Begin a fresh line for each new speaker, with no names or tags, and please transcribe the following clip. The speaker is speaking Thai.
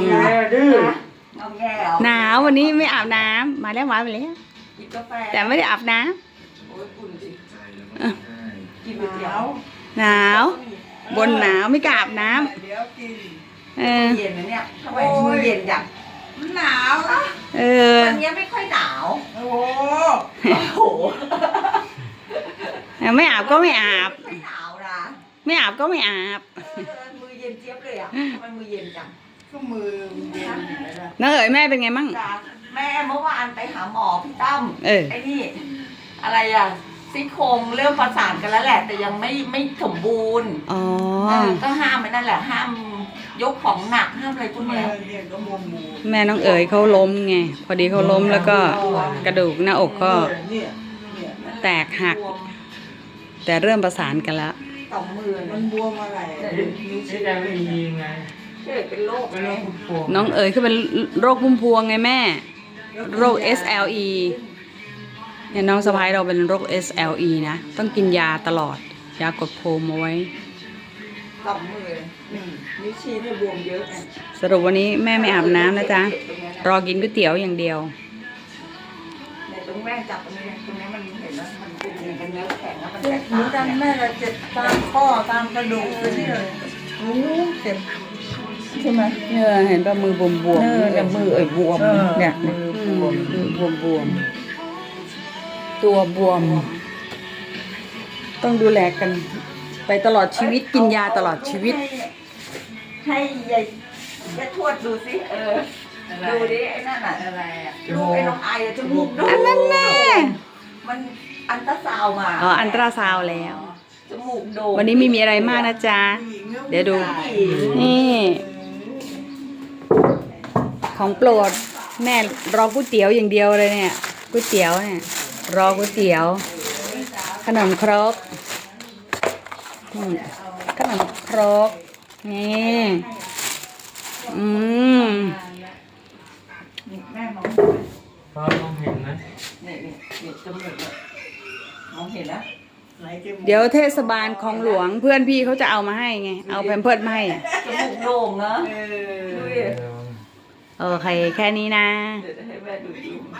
แงดื้อ
เอาแง่เอา
หนาววันนี้ไม่อาบน้ำมาแล้วมาไปแล้ว
กินกาแฟ
แต่ไม่ได้อาบน้
โอ้ยอุ่นสิ
ำ
กินก๋วยเตี๋ยว
หนาวบนหนาวไม่กล้าอาบน้
เดี๋ยวกิน
ำเออ
เย็นนะเนี่ยทำไมมือเย็นจัง
มันหนาวนะ
เออ
วันนี้ไม่ค่อยหนาว
โอ้
โอ้โห
ไม่อาบก็ไม่อาบ
ไม่ค่อยหนาวนะ
ไม่อาบก็ไม่อาบ
มือเย็นเจี๊ยบเลยอ่ะทำไมมือเย็นจัง
ก็มือเย็นอยู่แล้วนะ
น้าเอ๋ยแม่เป็นไงมั่ง
จ้ะแม่เมื่อวานไปหาหมอพี่ตั้ม
เออ
ไอ้นี่ อะไรอ่ะซี่โครงเริ่มประสานกันแล้วแหละ แต่ยังไม่สมบูรณ์
อ๋อ
ก็ห้ามไว้นั่นแหละ ห้ามยกของหนักห้ามอะไรพวก
มือ
เนี้ย
เนี่ยก็มุมมู
แม่น้องเอ๋ยเขาล้มไงพอดีเขาล้มแล้วก็กระดูกหน้าอกก็
เนี่ยเนี่ย
แตกหัก แต่เริ่มประสานกันแล้ว
สองมือ
มั
มัน น
บวมอะไรนิ้วชี้
จะไม่มีไง
เกิดเป็นโรค
ไม่
ไง
ต้องพุ่มพวง
น้องเอ๋ยคือเป็นโรคพุ่มพวงไงแม่ โรค SLE เนี่ยน้องสะพ้ายเราเป็นโรค SLE นะ ต้องกินยาตลอด ยากดภูมิเอาไว้
สองมือนิ้วชี้เนี่ยบวมเยอะไง
สรุปวันนี้แม่ไม่อาบน้ำนะจ๊ะ รอกินก๋วยเตี๋ยวอย่างเดียว
ในตรงแม่จับตรงนี้ตรงนี้มันเห็นแล้วมันเป็นเนื้อแข็งแล้วมัน
เจ็
แต
บ
ก
เหมือนกันแม่เราเจ็บตามข้อตามกระดูกไปนี่เลยโอ้เจ็บใช่ไหม
เนี่ยเห็นป่ะมือบวมบวม
เนี่ยมือเอ่ยบวมเนี่ยมือบวม
บวมบวมตัวบวม ต้องดูแลกัน ไปตลอดชีวิตกินยาตลอดชีวิต
ให้ยายทวดดูสิดูดิไอ้นั่นอ่ะ
อะไรอ่ะ
ลูกไอ้น้องไออะจมูกโด่ง
อันนั้นแน่
มันอันตราซาวน์มา
อ๋ออันตราซาวด์แล้ว
จมูกโด่ง
วันนี้ไม่มีอะไรมากนะจ๊ะ เดี๋ยวดู นี่ ของโปรดแม่รอก๋วยเตี๋ยวอย่างเดียวเลยเนี่ยก๋วยเตี๋ยวเนี่ย รอก๋วยเตี๋ยว ขนมครกขนมครกนี่อืม
แม่มอง
ฟ้าลองเห็นไหม
นี่จมูกเนี่ยมองเห็นนะ
ไหนจมูก
เดี๋ยวเทศบาลคลองหลวงเพื่อนพี่เขาจะเอามาให้ไง เอาแพมเพิร์สมาให้อะ
จมูกโด่งนะ
เออ
ดูดิ
โอเคแค่นี้นะ
เดี๋ยวให้แม่ดู